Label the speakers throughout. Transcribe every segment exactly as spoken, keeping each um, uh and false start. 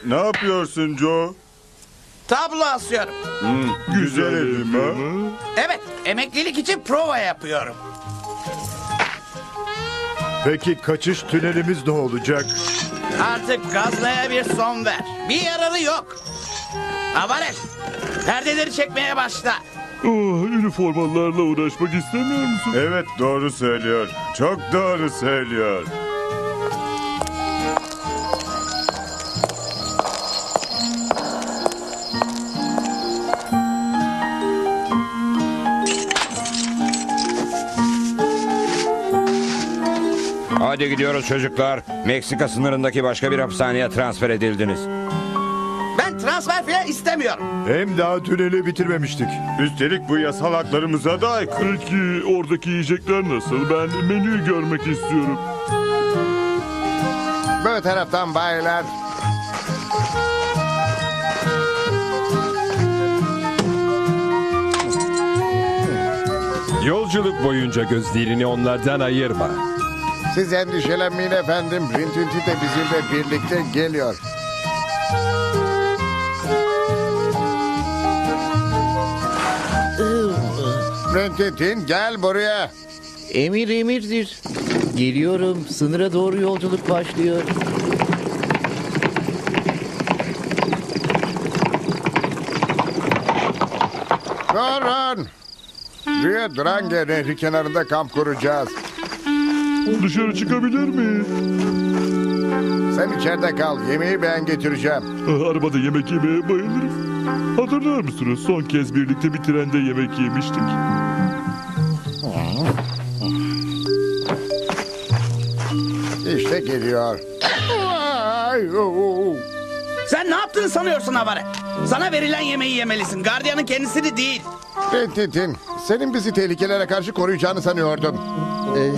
Speaker 1: Ne yapıyorsun Joe?
Speaker 2: Tablo asıyorum.
Speaker 1: Hmm, güzel elim ha.
Speaker 2: Evet, emeklilik için prova yapıyorum.
Speaker 3: Peki kaçış tünelimiz ne olacak?
Speaker 2: Artık gazlaya bir son ver. Bir yararı yok. Avaret, perdeleri çekmeye başla.
Speaker 4: Oh, üniformalarla uğraşmak istemiyor musun?
Speaker 1: Evet, doğru söylüyor. Çok doğru söylüyor.
Speaker 5: Hadi gidiyoruz çocuklar. Meksika sınırındaki başka bir hapishaneye transfer edildiniz.
Speaker 2: Ben transfer falan istemiyorum.
Speaker 3: Hem daha tüneli bitirmemiştik.
Speaker 1: Üstelik bu yasal haklarımıza da aykırı.
Speaker 4: Peki oradaki yiyecekler nasıl? Ben menüyü görmek istiyorum.
Speaker 6: Bu taraftan baylar.
Speaker 7: Yolculuk boyunca gözlerini onlardan ayırma.
Speaker 6: Siz endişelenmeyin efendim. Rintinti de bizimle birlikte geliyor. Rintintin gel buraya.
Speaker 8: Emir emirdir. Geliyorum. Sınıra doğru yolculuk başlıyor.
Speaker 6: Durun. Rio Grande Nehri kenarında kamp kuracağız.
Speaker 4: Dışarı çıkabilir mi?
Speaker 6: Sen içeride kal. Yemeği ben getireceğim.
Speaker 4: Ah, arabada yemek yemeye bayılırım. Hatırlar mısınız? Son kez birlikte bir trende yemek yemiştik.
Speaker 6: İşte geliyor. Ay, oo.
Speaker 2: Sen ne yaptığını sanıyorsun Avaret? Sana verilen yemeği yemelisin. Gardiyanın kendisini değil.
Speaker 6: Rintintin, senin bizi tehlikelere karşı koruyacağını sanıyordum.
Speaker 8: Ee,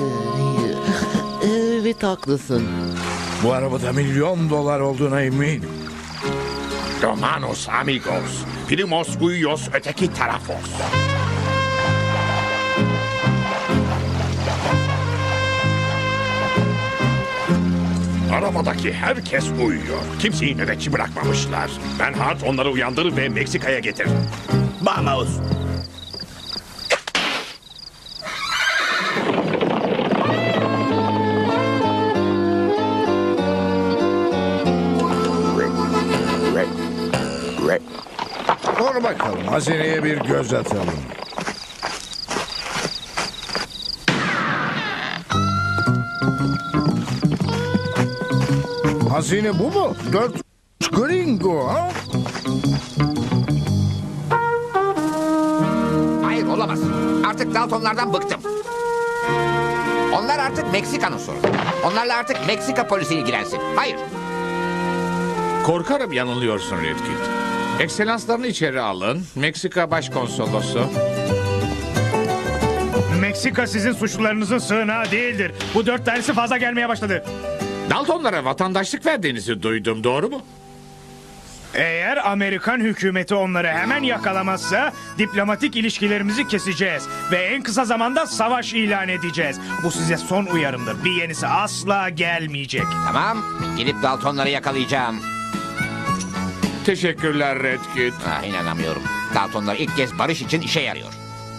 Speaker 8: evet haklısın.
Speaker 9: Bu arabada milyon dolar olduğuna eminim.
Speaker 10: Romanos amigos, primos uyos öteki tarafos. Arabadaki herkes uyuyor. Kimseyi nöbetçi bırakmamışlar. Ben Hart onları uyandırır ve Meksika'ya getir.
Speaker 2: Vamos.
Speaker 9: Dur bakalım, hazineye bir göz atalım. Hazine bu mu? Dört gringo ha?
Speaker 11: Hayır olamaz. Artık Daltonlardan bıktım. Onlar artık Meksika'nın sorunu. Onlarla artık Meksika polisi ilgilensin. Hayır.
Speaker 10: Korkarım yanılıyorsun Redkit. Ekselanslarını içeri alın. Meksika Başkonsolosu.
Speaker 12: Meksika sizin suçlularınızın sığınağı değildir. Bu dört tanesi fazla gelmeye başladı.
Speaker 10: Daltonlara vatandaşlık verdiğinizi duydum, doğru mu?
Speaker 12: Eğer Amerikan hükümeti onları hemen yakalamazsa diplomatik ilişkilerimizi keseceğiz. Ve en kısa zamanda savaş ilan edeceğiz. Bu size son uyarımdır. Bir yenisi asla gelmeyecek.
Speaker 11: Tamam. Gidip Daltonları yakalayacağım.
Speaker 10: Teşekkürler Redkit.
Speaker 11: Ah, inanamıyorum. Daltonlar ilk kez barış için işe yarıyor.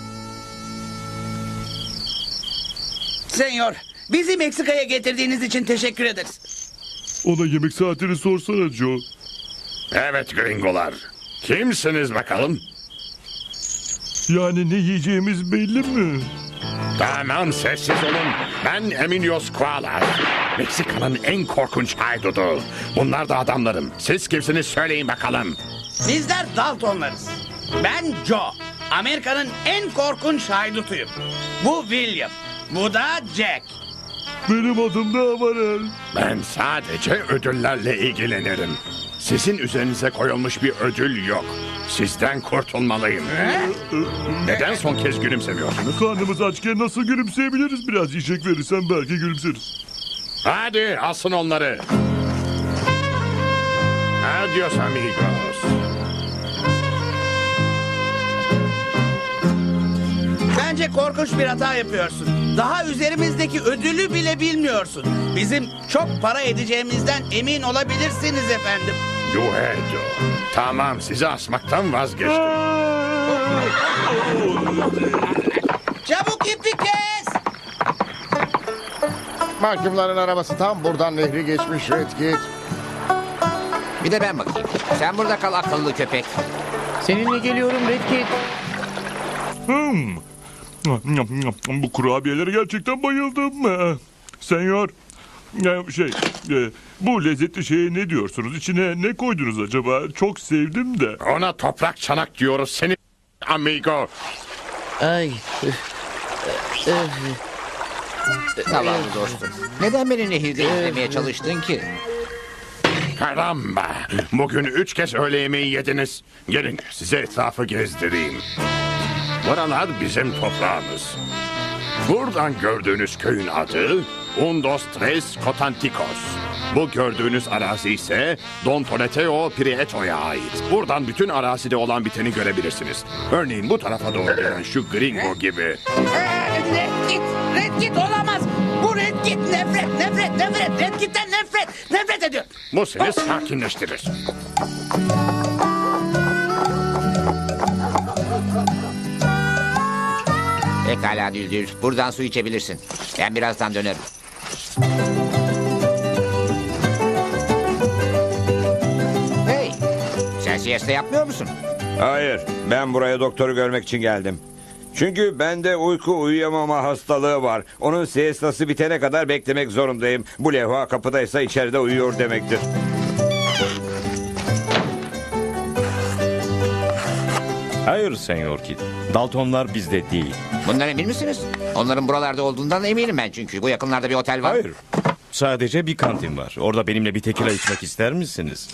Speaker 2: Senyor, bizi Meksika'ya getirdiğiniz için teşekkür ederiz.
Speaker 4: Ona yemek saatini sorsana Joe.
Speaker 10: Evet gringolar. Kimsiniz bakalım?
Speaker 4: Yani ne yiyeceğimiz belli mi?
Speaker 10: Tamam, sessiz olun. Ben Emilios Kualas. Meksika'nın en korkunç haydudu. Bunlar da adamlarım. Siz kimsiniz söyleyin bakalım.
Speaker 2: Bizler Daltonlarız. Ben Joe. Amerika'nın en korkunç haydutuyum. Bu William. Bu da Jack.
Speaker 4: Benim adım da Avarel.
Speaker 10: Ben sadece ödüllerle ilgilenirim. Sizin üzerinize koyulmuş bir ödül yok. Sizden kurtulmalıyım. Neden son kez gülümsemiyorsunuz?
Speaker 4: Karnımız açken nasıl gülümseyebiliriz? Biraz yiyecek verirsen belki gülümseriz.
Speaker 10: Hadi asın onları. Adios amigos.
Speaker 2: Bence korkunç bir hata yapıyorsun. Daha üzerimizdeki ödülü bile bilmiyorsun. Bizim çok para edeceğimizden emin olabilirsiniz efendim.
Speaker 10: Duedo. Tamam, sizi asmaktan vazgeçtim.
Speaker 2: Çabuk ipi kes.
Speaker 6: Mahkumların arabası tam buradan nehri geçmiş Redkit.
Speaker 11: Bir de ben bakayım. Sen burada kal akıllı köpek.
Speaker 8: Seninle geliyorum Redkit.
Speaker 4: Hmm. Bu kurabiyelere gerçekten bayıldım. Ee, Senyor, e, şey, e, bu lezzetli şeye ne diyorsunuz? İçine ne koydunuz acaba? Çok sevdim de.
Speaker 10: Ona toprak çanak diyoruz seni amigo.
Speaker 8: Ay.
Speaker 11: Tamam dostum. Neden beni nehirde izlemeye çalıştın ki?
Speaker 10: Karamba. Bugün üç kez öğle yemeği yediniz. Gelin size etrafı gezdireyim. Buralar bizim toprağımız. Buradan gördüğünüz köyün adı Undos Tres Cotanticos. Bu gördüğünüz arazi ise Don Toleteo Prieto'ya ait. Buradan bütün arazide olan biteni görebilirsiniz. Örneğin bu tarafa doğru gelen şu gringo gibi.
Speaker 2: Red Kit, Red Kit olamaz. Bu Red Kit nefret, nefret, nefret. Red Kit'ten nefret, nefret ediyor.
Speaker 10: Bu seni sakinleştirir.
Speaker 11: Pekala Düldül. Buradan su içebilirsin. Ben birazdan dönerim. Hey! Sen siesta yapmıyor musun?
Speaker 5: Hayır, ben buraya doktoru görmek için geldim. Çünkü bende uyku uyuyamama hastalığı var. Onun siestası bitene kadar beklemek zorundayım. Bu levha kapıdaysa içeride uyuyor demektir.
Speaker 13: Hayır Senyor Kid. Daltonlar bizde değil.
Speaker 11: Bundan emin misiniz? Onların buralarda olduğundan eminim ben çünkü. Bu yakınlarda bir otel var.
Speaker 13: Hayır. Sadece bir kantin var. Orada benimle bir tekila içmek ister misiniz?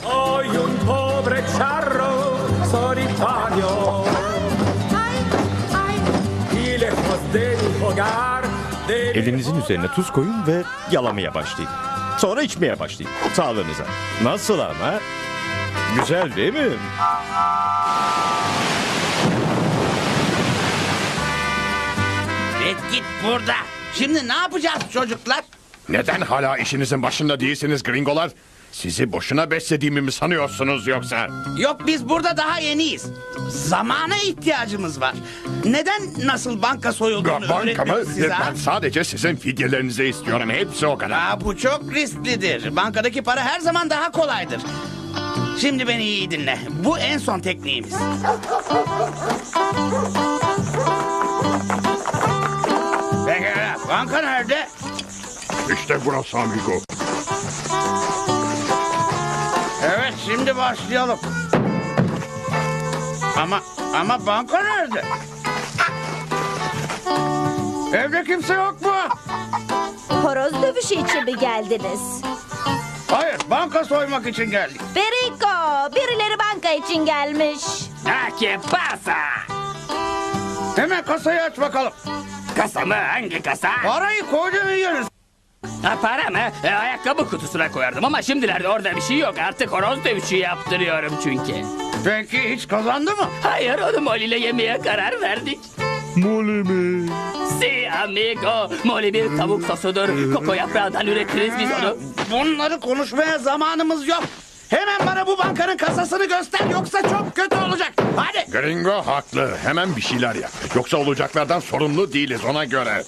Speaker 13: Elinizin üzerine tuz koyun ve yalamaya başlayın. Sonra içmeye başlayın. Sağlığınıza. Nasıl ama? Güzel değil mi?
Speaker 2: Red Kit burada. Şimdi ne yapacağız çocuklar?
Speaker 10: Neden hala işinizin başında değilsiniz gringolar? Sizi boşuna beslediğimi mi sanıyorsunuz yoksa?
Speaker 2: Yok biz burada daha yeniyiz. Zamana ihtiyacımız var. Neden nasıl banka soyulduğunu
Speaker 10: Banka mı?
Speaker 2: öğretmemiz size? ha?
Speaker 10: Ben sadece sizin fidyelerinizi istiyorum. Hepsi o kadar.
Speaker 2: Aa, bu çok risklidir. Bankadaki para her zaman daha kolaydır. Şimdi beni iyi dinle. Bu en son tekniğimiz. Pekala. Banka nerede?
Speaker 10: İşte burası amigo.
Speaker 2: Evet şimdi başlayalım. Ama ama banka nerede? Evde kimse yok mu?
Speaker 14: Horoz dövüşü için mi geldiniz?
Speaker 2: Hayır, banka soymak için geldik.
Speaker 14: Perico, birileri banka için gelmiş.
Speaker 2: ¿Qué pasa? Hemen kasayı aç bakalım.
Speaker 15: Kasa mı? Hangi kasa?
Speaker 2: Parayı koyduğunu yiyoruz.
Speaker 15: Ha, para mı? E, ayakkabı kutusuna koyardım ama şimdilerde orada bir şey yok. Artık horoz dövüşü yaptırıyorum çünkü.
Speaker 2: Peki hiç kazandı mı?
Speaker 15: Hayır, onu Molly ile yemeye karar verdik.
Speaker 4: Molly mi?
Speaker 15: Si amigo. Molly bir tavuk sosudur. Koko yaprağından üretiriz biz onu.
Speaker 2: Bunları konuşmaya zamanımız yok. Hemen bana bu bankanın kasasını göster yoksa çok kötü olacak. Hadi.
Speaker 10: Gringo haklı. Hemen bir şeyler yap. Yoksa olacaklardan sorumlu değiliz ona göre.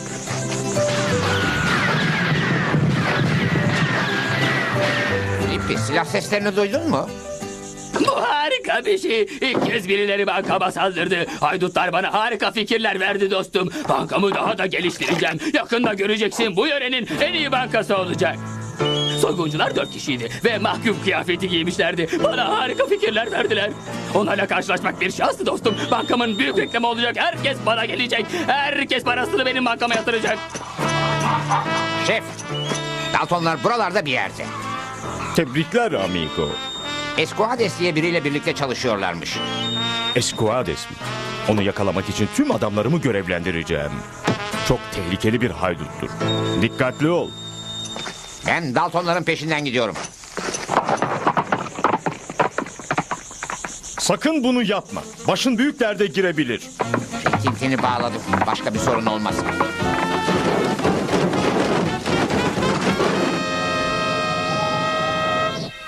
Speaker 11: İpi, silah seslerini duydun mu?
Speaker 15: Bu harika bir şey. İlk kez birileri bankama saldırdı. Haydutlar bana harika fikirler verdi dostum. Bankamı daha da geliştireceğim. Yakında göreceksin, bu yörenin en iyi bankası olacak. Soyguncular dört kişiydi ve mahkum kıyafeti giymişlerdi. Bana harika fikirler verdiler. Onlarla karşılaşmak bir şanstı dostum. Bankamın büyük reklamı olacak. Herkes bana gelecek. Herkes parasını benim bankama yatıracak.
Speaker 11: Şef, Daltonlar buralarda bir yerde.
Speaker 13: Tebrikler amigo.
Speaker 11: Esquades diye biriyle birlikte çalışıyorlarmış.
Speaker 13: Esquades mi? Onu yakalamak için tüm adamlarımı görevlendireceğim. Çok tehlikeli bir hayduttur. Dikkatli ol.
Speaker 11: Ben Daltonların peşinden gidiyorum.
Speaker 13: Sakın bunu yapma. Başın büyük derde girebilir.
Speaker 11: Tintini bağladım. Başka bir sorun olmaz.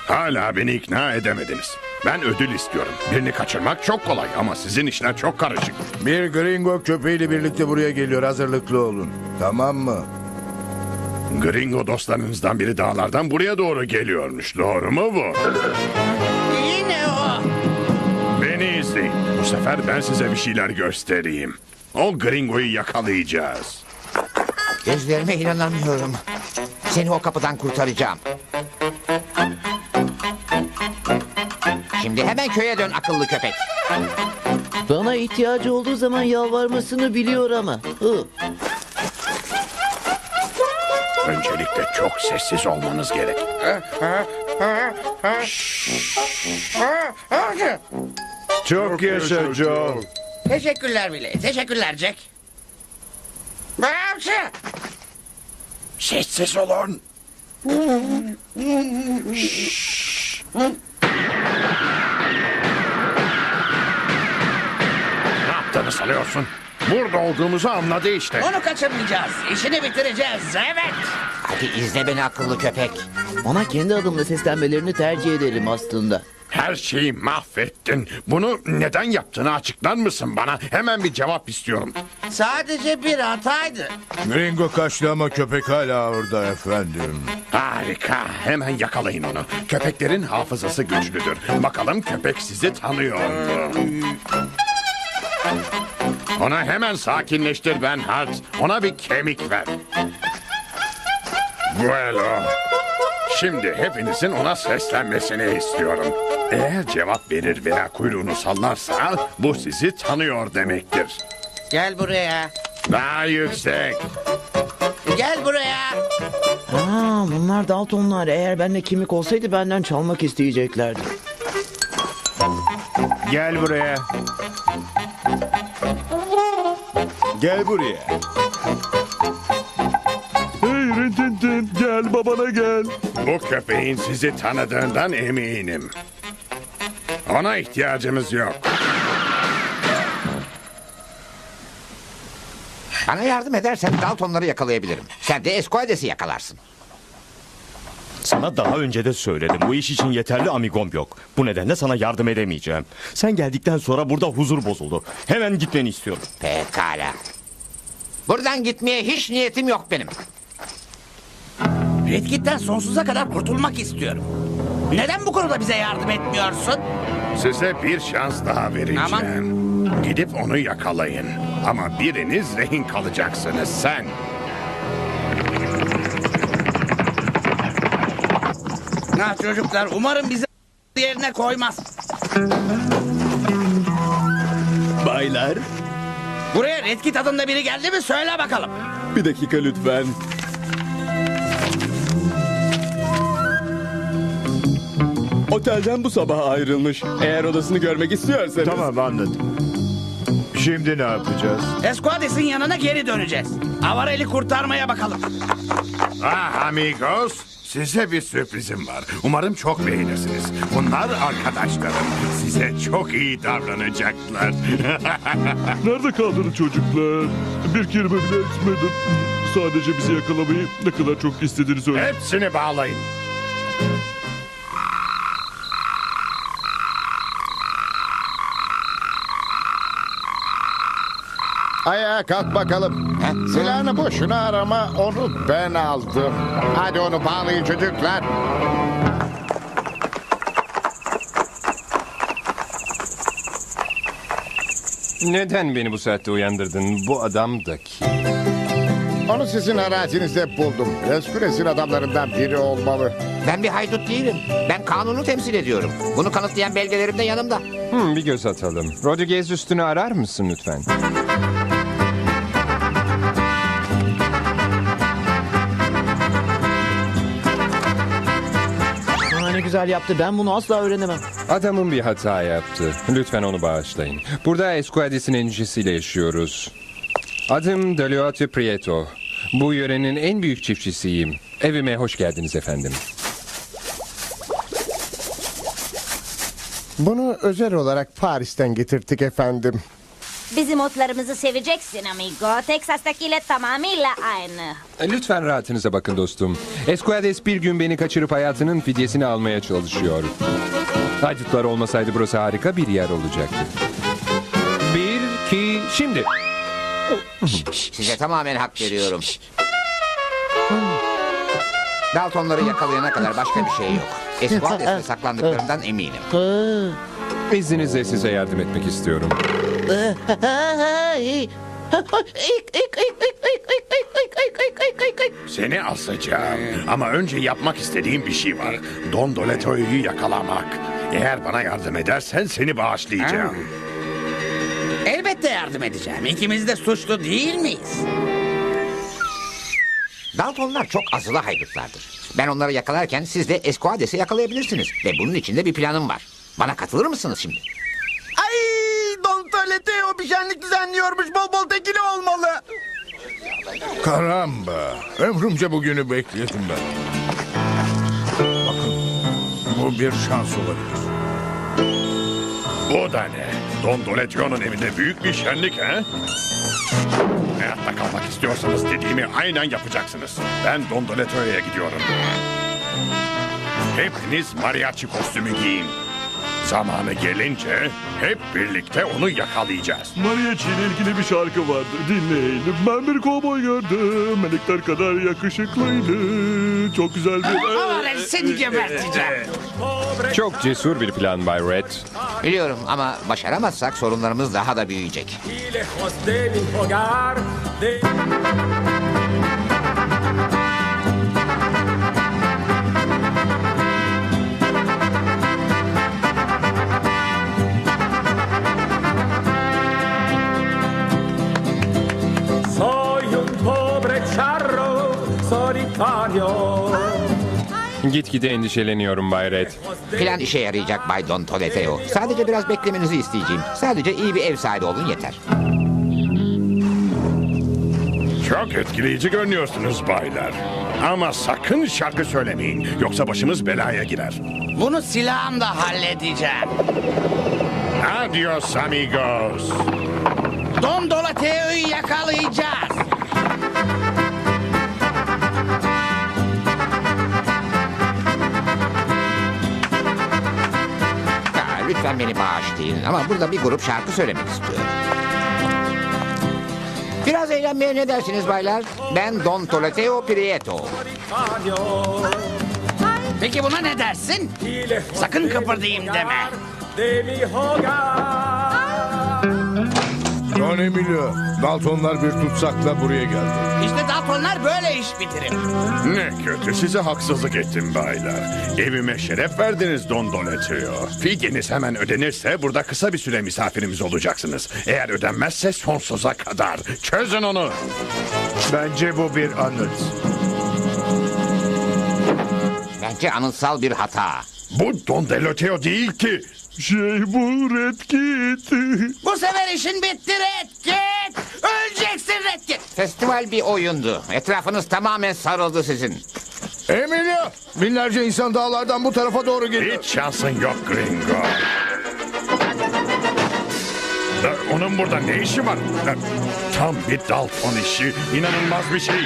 Speaker 10: Hala beni ikna edemediniz. Ben ödül istiyorum. Birini kaçırmak çok kolay ama sizin işler çok karışık.
Speaker 9: Bir gringo köpeğiyle birlikte buraya geliyor. Hazırlıklı olun. Tamam mı?
Speaker 10: Gringo dostlarınızdan biri dağlardan buraya doğru geliyormuş. Doğru mu bu?
Speaker 2: Yine o.
Speaker 10: Beni izleyin. Bu sefer ben size bir şeyler göstereyim. O gringoyu yakalayacağız.
Speaker 11: Gözlerime inanamıyorum. Seni o kapıdan kurtaracağım. Şimdi hemen köye dön akıllı köpek.
Speaker 8: Bana ihtiyacı olduğu zaman yalvarmasını biliyor ama. Hı.
Speaker 10: Öncelikle çok sessiz olmanız gerek.
Speaker 3: Çok yaşa Joe.
Speaker 2: Teşekkürler bile. Teşekkürler Jack. Bağımsı.
Speaker 10: Sessiz olun. Ne yaptığını sanıyorsun? Burada olduğumuzu anladı işte.
Speaker 2: Onu kaçırmayacağız. İşini bitireceğiz. Evet.
Speaker 11: Hadi izle beni akıllı köpek.
Speaker 8: Ona kendi adımla seslenmelerini tercih ederim aslında.
Speaker 10: Her şeyi mahvettin. Bunu neden yaptığını açıklar mısın bana? Hemen bir cevap istiyorum.
Speaker 2: Sadece bir hataydı.
Speaker 9: Gringo kaçtı ama köpek hala orada efendim.
Speaker 10: Harika. Hemen yakalayın onu. Köpeklerin hafızası güçlüdür. Bakalım köpek sizi tanıyor mu? Ona hemen sakinleştir Ben Hart. Ona bir kemik ver. Bueno. Şimdi hepinizin ona seslenmesini istiyorum. Eğer cevap verir veya kuyruğunu sallarsa bu sizi tanıyor demektir.
Speaker 2: Gel buraya.
Speaker 10: Daha yüksek.
Speaker 2: Gel buraya.
Speaker 8: Aa, bunlar Daltonlar. Eğer bende kimlik olsaydı benden çalmak isteyeceklerdi.
Speaker 3: Gel buraya. Gel buraya.
Speaker 4: Hey Rintintin gel babana gel.
Speaker 10: Bu köpeğin sizi tanıdığından eminim. Ona ihtiyacımız yok.
Speaker 11: Bana yardım edersen Daltonları yakalayabilirim. Sen de Esquades'i yakalarsın.
Speaker 13: Sana daha önce de söyledim. Bu iş için yeterli amigom yok. Bu nedenle sana yardım edemeyeceğim. Sen geldikten sonra burada huzur bozuldu. Hemen gitmeni istiyorum.
Speaker 11: Pekala. Buradan gitmeye hiç niyetim yok benim.
Speaker 2: Red Kit'ten sonsuza kadar kurtulmak istiyorum. Neden bu konuda bize yardım etmiyorsun?
Speaker 10: Size bir şans daha vereceğim.
Speaker 2: Aman.
Speaker 10: Gidip onu yakalayın. Ama biriniz rehin kalacaksınız sen.
Speaker 2: Ha çocuklar umarım bizi yerine koymaz.
Speaker 16: Baylar,
Speaker 2: Buraya Red Kit adında biri geldi mi söyle bakalım.
Speaker 16: bir dakika lütfen. Otelden bu sabah ayrılmış. Eğer odasını görmek istiyorsanız...
Speaker 3: Tamam anladım. Şimdi ne yapacağız?
Speaker 2: Esquades'in yanına geri döneceğiz. Avarel'i kurtarmaya bakalım.
Speaker 10: Ah amigos, size bir sürprizim var. Umarım çok beğenirsiniz. Bunlar arkadaşlarım. Size çok iyi davranacaklar.
Speaker 4: Nerede kaldınız çocuklar? Bir kelime bile etmedim. Sadece bizi yakalamayı ne kadar çok istediğini söyle.
Speaker 10: Hepsini bağlayın.
Speaker 6: Ayağa kalk bakalım. Silahını boşuna arama, onu ben aldım. Hadi onu bağlayın çocuklar.
Speaker 7: Neden beni bu saatte uyandırdın? Bu adam da kim?
Speaker 6: Onu sizin arazinizde buldum. Esquades'in adamlarından biri olmalı.
Speaker 11: Ben bir haydut değilim. Ben kanunu temsil ediyorum. Bunu kanıtlayan belgelerim de yanımda.
Speaker 7: Hmm, bir göz atalım. Rodriguez üstünü arar mısın lütfen?
Speaker 8: Aa, ne güzel yaptı. Ben bunu asla öğrenemem.
Speaker 7: Adamın bir hata yaptı. Lütfen onu bağışlayın. Burada Esquades'in endişesiyle yaşıyoruz. Adım Deliotte Prieto. Bu yörenin en büyük çiftçisiyim. Evime hoş geldiniz efendim.
Speaker 6: Bunu özel olarak Paris'ten getirttik efendim.
Speaker 14: Bizim otlarımızı seveceksin amigo. Texas'takiyle tamamıyla aynı.
Speaker 7: Lütfen rahatınıza bakın dostum. Esquades bir gün beni kaçırıp hayatının fidyesini almaya çalışıyor. Haydutlar olmasaydı burası harika bir yer olacaktı. Bir, iki, şimdi.
Speaker 11: Size tamamen hak veriyorum. Daltonları yakalayana kadar başka bir şey yok. Esquades'te saklandıklarından eminim.
Speaker 7: İzninizle size yardım etmek istiyorum.
Speaker 10: Seni asacağım. Ama önce yapmak istediğim bir şey var. Don Doleto'yu yakalamak. Eğer bana yardım edersen seni bağışlayacağım.
Speaker 2: Elbette yardım edeceğim. İkimiz de suçlu değil miyiz?
Speaker 11: Daltonlar çok azılı haydutlardır. Ben onları yakalarken siz de Esquades'i yakalayabilirsiniz. Ve bunun için de bir planım var. Bana katılır mısınız şimdi?
Speaker 17: Ay, Don Toleteo bir şenlik düzenliyormuş. Bol bol tekili olmalı.
Speaker 6: Karamba. Ömrümce bugünü bekledim ben. Bakın. Bu bir şans olabilir.
Speaker 10: Bu da ne? Don Doletio'nun evinde büyük bir şenlik he? Hayatta kalmak istiyorsanız dediğimi aynen yapacaksınız. Ben Don Doletio'ya gidiyorum. Hepiniz mariachi kostümü giyin. Zamanı gelince hep birlikte onu yakalayacağız.
Speaker 4: Mariachi ile ilgili bir şarkı vardı. Dinleyelim. Ben bir kovboy gördüm. Melekler kadar yakışıklıydı. Çok güzel bir...
Speaker 2: Aman seni geberteceğim.
Speaker 7: Çok cesur bir plan Bay Red.
Speaker 11: Biliyorum ama başaramazsak sorunlarımız daha da büyüyecek.
Speaker 18: Soy un pobre charro solitario.
Speaker 7: Gitgide endişeleniyorum Bay Red.
Speaker 11: Plan işe yarayacak Bay Don Toleteo. Sadece biraz beklemenizi isteyeceğim. Sadece iyi bir ev sahibi olun yeter.
Speaker 10: Çok etkileyici görünüyorsunuz baylar. Ama sakın şarkı söylemeyin. Yoksa başımız belaya girer.
Speaker 2: Bunu silahımla halledeceğim.
Speaker 10: Adios amigos.
Speaker 2: Don Dolateo'yu yakalayacağız.
Speaker 11: Ha, lütfen beni bağışlayın ama burada bir grup şarkı söylemek istiyorum. Biraz eğlenmeye ne dersiniz baylar? Ben Don Toleteo Prieto.
Speaker 2: Peki buna ne dersin? Sakın kıpırdayım deme.
Speaker 6: Don Emilio, Daltonlar bir tutsakla buraya geldi.
Speaker 2: İşte Daltonlar böyle iş bitirir.
Speaker 10: Ne kötü size haksızlık ettim baylar. Evime şeref verdiniz Don Doletio. Fidyeniz hemen ödenirse burada kısa bir süre misafirimiz olacaksınız. Eğer ödenmezse sonsuza kadar. Çözün onu.
Speaker 3: Bence bu bir anıt.
Speaker 11: Bence anıtsal bir hata.
Speaker 10: Bu Don Doletio değil ki.
Speaker 4: Şey bu Red Kit.
Speaker 2: Bu sefer işin bitti Red Kit. Öleceksin Red Kit.
Speaker 11: Festival bir oyundu. Etrafınız tamamen sarıldı sizin.
Speaker 6: Emilio, binlerce insan dağlardan bu tarafa doğru geliyor.
Speaker 10: Hiç şansın yok Gringo. Ee, Onun burada ne işi var? Ee, Tam bir Dalton işi. İnanılmaz bir şey.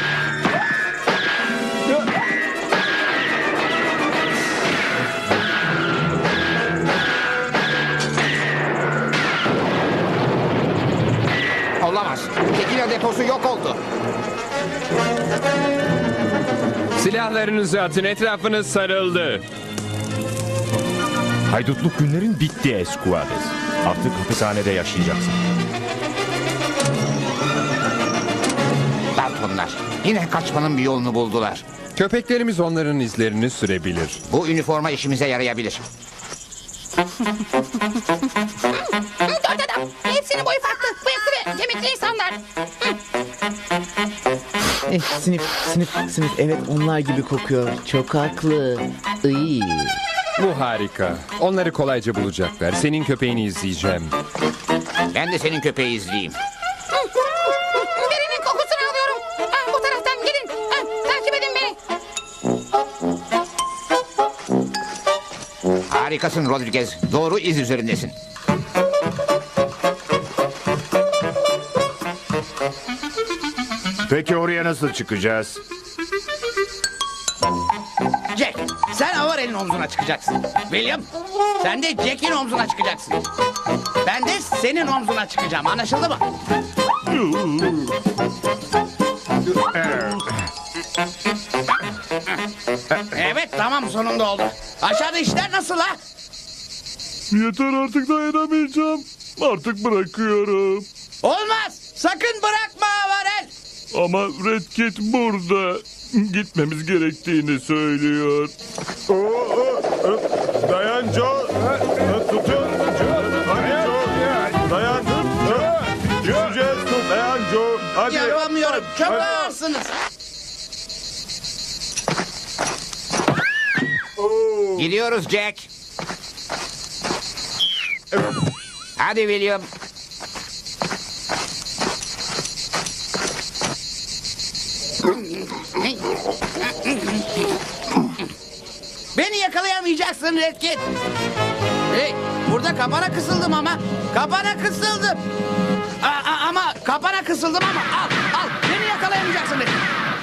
Speaker 11: Olamaz. Tekila deposu yok oldu.
Speaker 7: Silahlarınızı atın, etrafınız sarıldı.
Speaker 13: Haydutluk günlerin bitti Esquades. Artık hapishanede yaşayacaksın.
Speaker 11: Daltonlar yine kaçmanın bir yolunu buldular.
Speaker 7: Köpeklerimiz onların izlerini sürebilir.
Speaker 11: Bu üniforma işimize yarayabilir.
Speaker 19: Dört adam. Hepsinin boyu farklı. Bıyıklı ve kemikli insanlar.
Speaker 8: Eh, sınıf, sınıf, sınıf. Evet, onlar gibi kokuyor. Çok haklı. Iy.
Speaker 7: Bu harika. Onları kolayca bulacaklar. Senin köpeğini izleyeceğim.
Speaker 11: Ben de senin köpeği izleyeyim.
Speaker 19: Birinin kokusunu alıyorum. Ha, bu taraftan gidin. Ha, takip edin beni.
Speaker 11: Harikasın Rodriguez. Doğru iz üzerindesin.
Speaker 3: Peki oraya nasıl çıkacağız?
Speaker 2: Jack, sen Avarel'in omzuna çıkacaksın. William, sen de Jack'in omzuna çıkacaksın. Ben de senin omzuna çıkacağım. Anlaşıldı mı? Evet, tamam, sonunda oldu. Aşağıda işler nasıl ha?
Speaker 4: Yeter, artık dayanamayacağım. Artık bırakıyorum.
Speaker 2: Olmaz. Sakın bırakma Avarel.
Speaker 4: Ama Red Kit burada. Gitmemiz gerektiğini söylüyor.
Speaker 1: Dayan Joe. Tutun. Hadi Joe. Dayan. Düşeceğiz. Dayan Joe. Hadi.
Speaker 2: Yapamıyorum. Çok
Speaker 1: Hadi.
Speaker 2: ağırsınız.
Speaker 11: Gidiyoruz Jack. Hadi William.
Speaker 2: Beni yakalayamayacaksın Red Kit. Hey, burada kapana kısıldım ama. Kapana kısıldım. A- a- ama kapana kısıldım ama. Al, al. Beni yakalayamayacaksın Red Kit.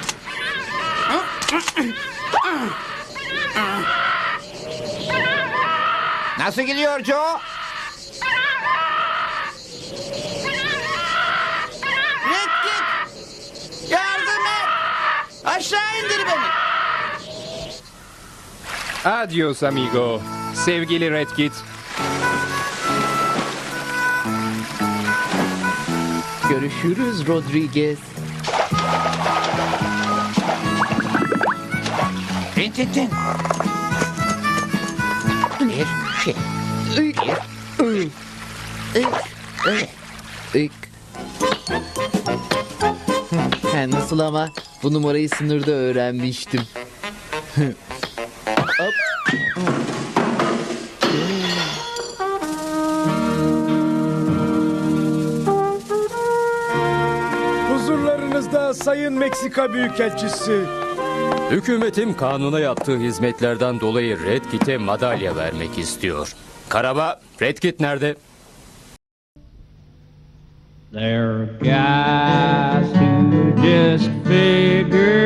Speaker 11: Nasıl gidiyor Joe?
Speaker 2: Red Kit. Yardım et. Aşağı indir beni.
Speaker 7: Adios amigo. Sevgili Red Kit.
Speaker 8: Görüşürüz Rodriguez.
Speaker 11: Tin tin tin. Bir şey.
Speaker 8: İk. Ha, nasıl ama? Bu numarayı sınırda öğrenmiştim. Hop.
Speaker 12: Huzurlarınızda Sayın Meksika Büyükelçisi.
Speaker 20: Hükümetim kanuna yaptığı hizmetlerden dolayı Red Kit'e madalya vermek istiyor. Karaba, Red Kit nerede?
Speaker 21: There are guys who just figure